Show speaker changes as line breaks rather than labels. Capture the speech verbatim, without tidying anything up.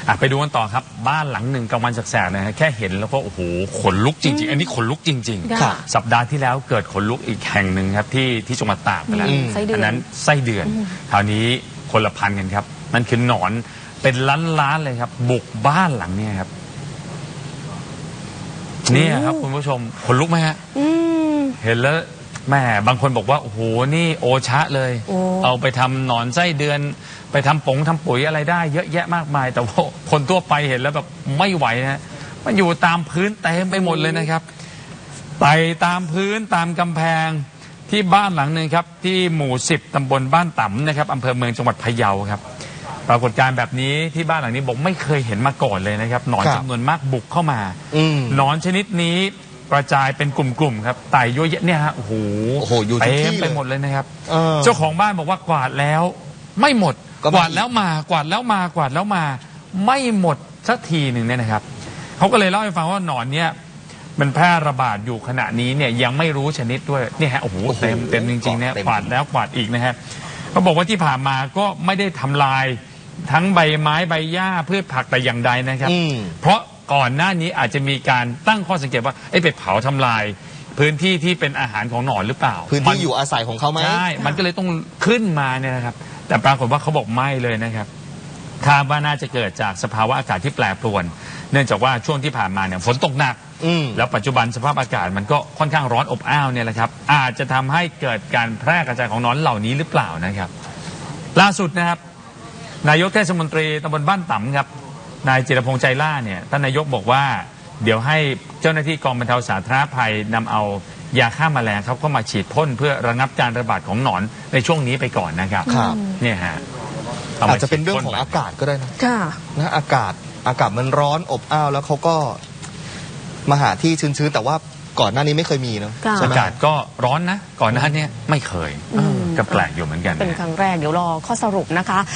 ไปดูกันต่อครับบ้านหลังหนึ่งกลางวันแสกๆนะฮะแค่เห็นแล้วก็โอ้โหขนลุกจริงๆอันนี้ขนลุกจริงๆสัปดาห์ที่แล้วเกิดขนลุกอีกแห่งหนึ่งครับที่ที่จังหวัดตากไปแล้วอันนั้นไส้เดือนคราวนี้คนละพันกันครับมันคือหนอนเป็นล้านๆเลยครับบุกบ้านหลังนี้ครับนี่ครับคุณผู้ชมขนลุกไหมฮะเห็นแล้วแม่บางคนบอกว่าโอ้โหนี่โอชะเลยเอาไปทำหนอนไส้เดือนไปทำผงทำปุ๋ยอะไรได้เยอะแยะมากมายแต่ว่าคนทั่วไปเห็นแล้วแบบไม่ไหวนะมันอยู่ตามพื้นเต็มไปหมดเลยนะครับไต่ตามพื้นตามกำแพงที่บ้านหลังหนึ่งครับที่หมู่สิบตำบลบ้านต่ำนะครับอำเภอเมืองจังหวัดพะเยาครับปรากฏการณ์แบบนี้ที่บ้านหลังนี้บอกไม่เคยเห็นมาก่อนเลยนะครับหนอนจำนวนมากบุกเข้ามาหนอนชนิดนี้กระจายเป็นกลุ่มๆครับไต่เยอะแยะเนี่ยฮะโอ้โหเต็มไปหมดเลยนะครับเจ้าของบ้านบอกว่ากวาดแล้วไม่หมดกวาดแล้วมากวาดแล้วมากวาดแล้วมาไม่หมดสักทีหนึ่งเนี่ยนะครับเขาก็เลยเล่าให้ฟังว่าหนอนเนี่ยมันแพร่ระบาดอยู่ขณะนี้เนี่ยยังไม่รู้ชนิดด้วยเนี่ยฮะโอ้โหเต็มเต็มจริงๆเนี่ยกวาดแล้วกวาดอีกนะฮะเขาบอกว่าที่ผ่านมาก็ไม่ได้ทำลายทั้งใบไม้ใบหญ้าพืชผักแต่อย่างใดนะครับเพราะก่อนหน้านี้อาจจะมีการตั้งข้อสังเกตว่าไอ้ไปเผาทำลายพื้นที่ที่เป็นอาหารของหนอนหรือเปล่า
พื้นที่อยู่อาศัยของเขาไหม
ใช่มันก็เลยต้องขึ้นมาเนี่ยนะครับแต่ปรากฏว่าเขาบอกไม่เลยนะครับคาดว่าน่าจะเกิดจากสภาวะอากาศที่แปรปรวนเนื่องจากว่าช่วงที่ผ่านมาเนี่ยฝนตกหนักแล้วปัจจุบันสภาพอากาศมันก็ค่อนข้างร้อนอบอ้าวเนี่ยแหละครับอาจจะทำให้เกิดการแพร่กระจายของหนอนเหล่านี้หรือเปล่านะครับล่าสุดนะครับนายกเทศมนตรีตำบลบ้านต่ำครับนายจิรพงษ์ใจล่าเนี่ยท่านนายกบอกว่าเดี๋ยวให้เจ้าหน้าที่กองบรรเทาสาธารณภัยนำเอายาฆ่าแมลงครับเข้ามาฉีดพ่นเพื่อระงับการระบาดของหนอนในช่วงนี้ไปก่อนนะครับเนี่ยฮะ
อาจจะเป็นเรื่องของอากาศก็ได้นะนะอากาศอากาศมันร้อนอบอ้าวแล้วเขาก็มาหาที่ชื้นๆแต่ว่าก่อนหน้านี้ไม่เคยมีเนาะ
อากาศก็ร้อนนะก่อนหน้านี้ไม่เคยก็แปลกอยู่เหมือนกัน
เป็นครั้งแรกเดี๋ยวรอข้อสรุปนะคะ